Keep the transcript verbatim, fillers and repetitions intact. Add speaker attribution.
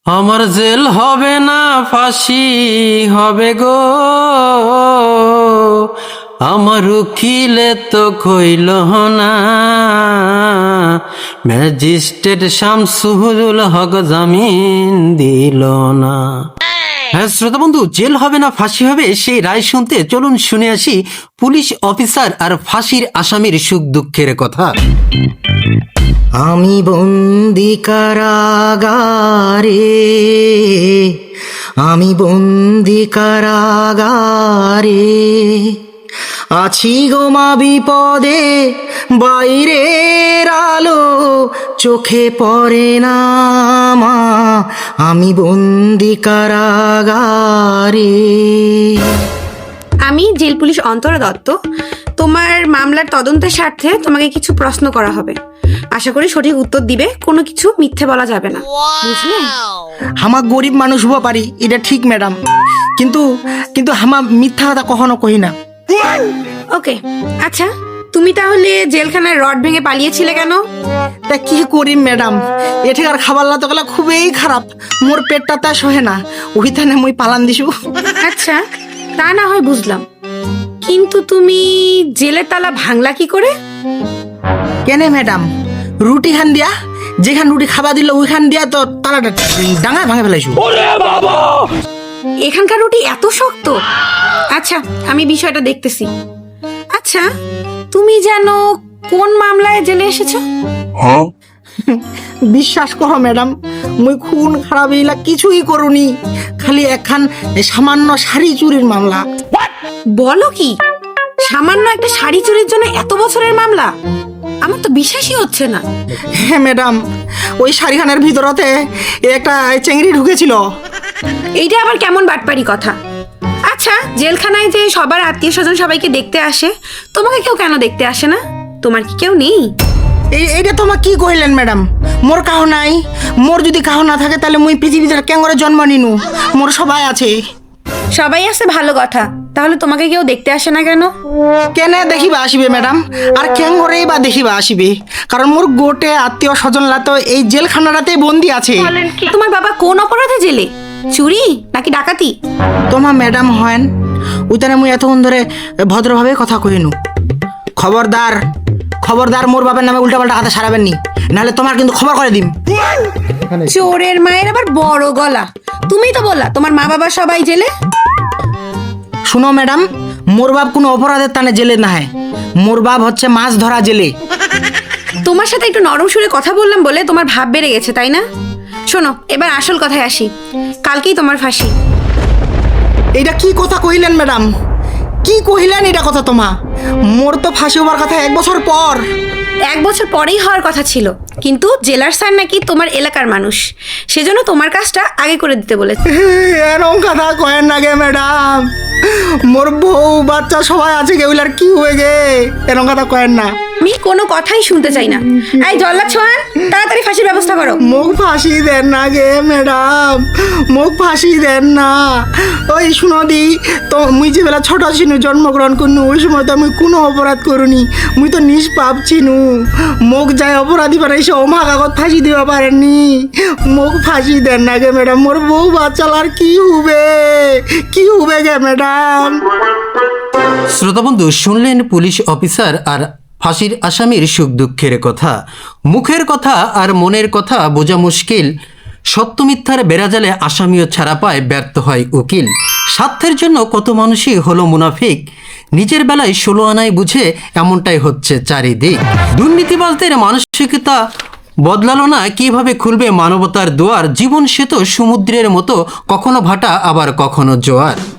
Speaker 1: আমার জেল হবে না ফাঁসি হবে গো, আমার উকিলে তো কইল না, ম্যাজিস্ট্রেট শামসুল হক জামিন দিল না। হ্যাঁ শ্রোতা বন্ধু, জেল হবে না ফাঁসি হবে সেই রায় শুনতে চলুন শুনে আসি পুলিশ অফিসার আর ফাঁসির আসামির সুখ দুঃখের কথা।
Speaker 2: আমি বন্দি কারাগারে, আমি বন্দি কারাগারে, আছি গো মা বিপদে, বাইরের আলো চোখে পড়ে না মা, আমি বন্দি কারাগারে।
Speaker 3: আমি জেল পুলিশ অন্তরা দত্ত। তোমার মামলার তদন্তের স্বার্থে তোমাকে কিছু প্রশ্ন করা হবে। আশা করি সঠিক উত্তর দিবে, কোনো কিছু মিথ্যে বলা যাবে না, বুঝলে?
Speaker 2: আমার গরিব মানুষ হবো পারি, এটা ঠিক ম্যাডাম, কিন্তু কিন্তু আমার মিথ্যা কথা কখনো কই না।
Speaker 3: ওকে, আচ্ছা তুমি তাহলে জেলখানায় রড ভেঙে পালিয়েছিলে কেন?
Speaker 2: তা কি করি ম্যাডাম, এঠিকার খাবার লাতো গেলা খুবই খারাপ, মোর পেটটা তা সহে না, ওইখানে মুই পালান দিছু।
Speaker 3: আচ্ছা তা না হয় বুঝলাম, কিন্তু তুমি জেলের তালা ভাঙলা কি করে?
Speaker 2: কেনে ম্যাডাম, রুটি খান দিয়া, যেখান রুটি খাবার দিল ওইখান দিয়া তো তালাটা ডাঙা ভাঙে ফেলাইছু।
Speaker 3: এখানকার রুটি এত শক্ত? আচ্ছা আমি বিষয়টা দেখতেছি। আচ্ছা তুমি জানো কোন মামলায় জেলে এসেছো?
Speaker 2: বিশ্বাস করো ম্যাডাম, মুই খুন খারাপ এইলা কিছুই করুনি, খালি একখান সামান্য শাড়ি চুরির মামলা।
Speaker 3: বলো কি, সামান্য একটা শাড়ি চুরির জন্য এত বছরের মামলা? আমার তো বিশ্বাসই হচ্ছে না।
Speaker 2: হ্যাঁ ম্যাডাম, ওই শাড়িখানের ভিতরতে একটা চেংড়ি ঢুকেছিল।
Speaker 3: এইটা আবার কেমন বাটপারি কথা? আচ্ছা জেলখানায় যে সবার আত্মীয় স্বজন সবাইকে দেখতে আসে, তোমাকে কেউ কেন দেখতে আসে না? তোমার কি কেউ নেই?
Speaker 2: এই এইটা তোমার কি কইলেন ম্যাডাম, মোর কাহ নাই, মোর যদি কাহ না থাকে তাহলে মুই পৃথিবীতে কেন করে জন্ম নিনু, মোর সবাই আছে।
Speaker 3: সবাই আছে ভালো কথা, তাহলে তোমাকে কেউ দেখতে আসে না কেন?
Speaker 2: কেনে দেখিবা আসিবে ম্যাডাম, আর কেন করেই বা দেখিবা আসিবে, কারণ মোর গোটে আত্মীয় স্বজনরা তো এই জেলখানাটাতেই বন্দি আছে।
Speaker 3: তোমার বাবা কোন অপরাধে জেলে? চুরি নাকি ডাকাতি?
Speaker 2: তোমার ম্যাডাম হয়েন ওইখানে মুই এতক্ষণ ধরে ভদ্রভাবে কথা কইনু। খবরদার খবরদার মোর বাবার নামে উল্টাপাল্টা কথা সারাবেন নি, নাহলে তোমার কিন্তু খবর করে দিম।
Speaker 3: চোরের মায়ের আবার বড় গলা, তুমিই তো বললা তোমার মা বাবা সবাই জেলে।
Speaker 2: শুনো ম্যাডাম, মোর বাপ কোনো অপরাধের টানে জেলে না হয়, মোর বাপ হচ্ছে মাছ ধরা জেলে।
Speaker 3: তোমার সাথে একটু নরম সুরে কথা বললাম বলে তোমার ভাব বেড়ে গেছে, তাই না? শোনো এবার আসল কথায় আসি, কালকেই তোমার ফাঁসি।
Speaker 2: এইটা কি কথা কইলেন ম্যাডাম, কি কহিলেন এটা কথা? তোমা মোর তো ফাঁসি হবার কথা এক বছর পর।
Speaker 3: এক বছর পরেই হওয়ার কথা ছিল, কিন্তু জেলার স্যার নাকি তোমার এলাকার মানুষ, সেজন্য তোমার কাজটা আগে করে দিতে বলেছে।
Speaker 2: এরকম কথা কয়েন না গে ম্যাডাম, মোর বউ বাচ্চা সবাই আছে, কেউলার কি হয়ে গে, এরকম কথা কয়েন না।
Speaker 3: আমি কোনো কথাই শুনতে চাই না। এই জল্লাদ ছোঁয়ান, তাড়াতাড়ি ফাঁসির ব্যবস্থা করো।
Speaker 2: মুখ ফাঁসি দেন না গে ম্যাডাম, মুখ ফাঁসি দেন না। ওই শুনো দি, তো মুই যে বেলা ছোট ছিনু জন্মগ্রহণ করনু, ওই সময় তো আমি কোনো অপরাধ করুনি, মুই তো নিষ্পাপ ছিনু। মুখ যায় অপরাধী বানাইছে, ও মা কাগজ ফাঁসি দিবা পারেননি, মুখ ফাঁসি দেন না গে ম্যাডাম, মোর বউ বাচ্চালার কি হবে, কি হবে গে ম্যাডাম।
Speaker 1: শ্রোতা বন্ধু, শুনলেন পুলিশ অফিসার আর ফাঁসির আসামির সুখ দুঃখের কথা। মুখের কথা আর মনের কথা বোঝা মুশকিল, সত্য মিথ্যার বেড়াজালে আসামিও ছাড়া পায়, ব্যর্থ হয় উকিল। স্বার্থের জন্য কত মানুষই হলো মুনাফিক, নিজের বেলায় ষোলো আনায় বুঝে এমনটাই হচ্ছে চারিদিক। দুর্নীতিবাজদের মানসিকতা বদলালো না, কিভাবে খুলবে মানবতার দুয়ার? জীবন সে তো সমুদ্রের মতো, কখনো ভাটা আবার কখনো জোয়ার।